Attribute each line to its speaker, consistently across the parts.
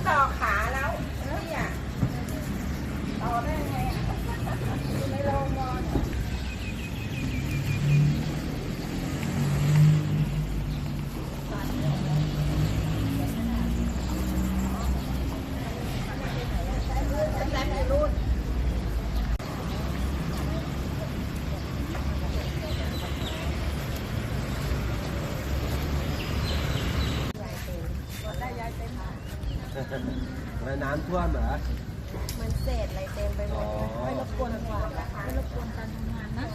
Speaker 1: ต่อขาแล้วพี่อ่ะต่อได้ไงอ่ะในโรงนอน
Speaker 2: น้ำท่วมเหรอ
Speaker 1: มันเศษอะไรเต็มไปหมดไม่รบกวนกว่าไม่รบกวนการทำงานนะ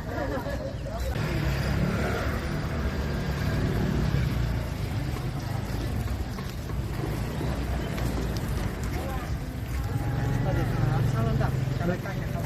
Speaker 2: สวัสดีครับช่างลำดับการเลือกตั้งนะครับ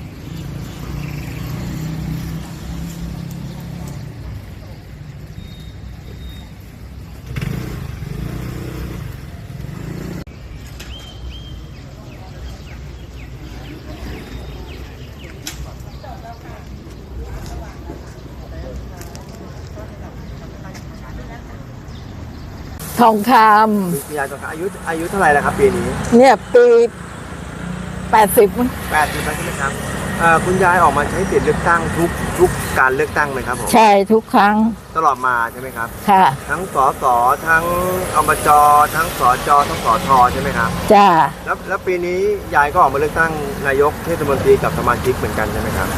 Speaker 3: ทองค
Speaker 2: คุณยายตัวอายุเท่าไหร่แล้วครับปีนี้
Speaker 3: ำเนี่ยปี80มั้ง
Speaker 2: 80แล้วใช่ไหมครับคุณยายออกมาใช้สิทธิ์เลือกตั้งทุกการเลือกตั้งไหมครับผม
Speaker 3: ใช่ทุกครั้ง
Speaker 2: ตลอดมาใช่ไหมครับ
Speaker 3: ค่ะ
Speaker 2: ทั้งสสทั้งอบจทั้งสจทั้งสทใช่ไหมครับ
Speaker 3: จ้า
Speaker 2: แล้วปีนี้ยายก็ออกมาเลือกตั้งนายกเทศมนตรีกับสมาชิกเหมือนกันใช่ไหมครับ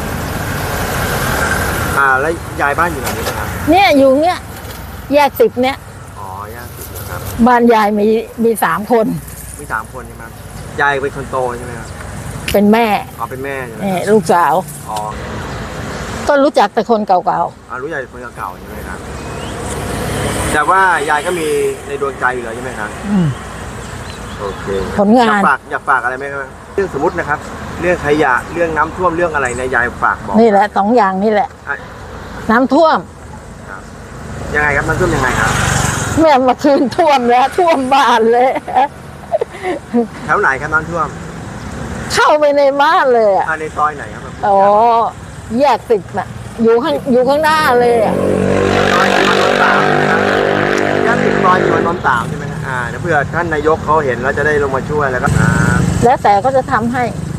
Speaker 2: แล้วยายบ้านอยู่ไหนครับ
Speaker 3: เนี่ยอยู่เนี้ยแยก10เนี่ย
Speaker 2: อ๋อย่าง10นะครับ
Speaker 3: บ้านยายมี3 คน
Speaker 2: มี3 คนใช่ไหมครับยายเป็นคนโตใช่ไหมครับ
Speaker 3: เป็นแม่
Speaker 2: อ๋อเป็นแม่ใช่ไหม
Speaker 3: ลูกสาว
Speaker 2: อ๋อ
Speaker 3: ก็รู้จักแต่คนเก่า
Speaker 2: รู้ยายคนเก่าใช่ไหมครับแต่ว่ายายก็มีในดวงใจอยู่แล้วใช่ไหมครับโอเค
Speaker 3: ผลงาน
Speaker 2: อยากฝากอะไรไหมครับเรื่องสมมตินะครับเรื่องขยะเรื่องน้ำท่วมเรื่องอะไรในยายฝากบอก
Speaker 3: นี่แหละ2 อย่างนี่แหละน้ำท่วม
Speaker 2: ยังไงครับน้ำท่วมยังไงครับ
Speaker 3: แม่มาคืนท่วมแล้วท่วมบ้านเลย
Speaker 2: แถวไหนครับน้ำท่วม
Speaker 3: เข้าไปในบ้านเลยอ่ะ
Speaker 2: ในซอยไหนครับ
Speaker 3: อ๋อแยก10อ่ะอยู่ข้างหน้าเลยอ่ะ
Speaker 2: ซอยนนท์3นะครับย่าน10ซอยนนท์3ใช่ไหมเดี๋ยวเผื่อท่านนายกเขาเห็นแล้วจะได้ลงมาช่วยแล้วก็
Speaker 3: แล้วแต่ก็จะทำให้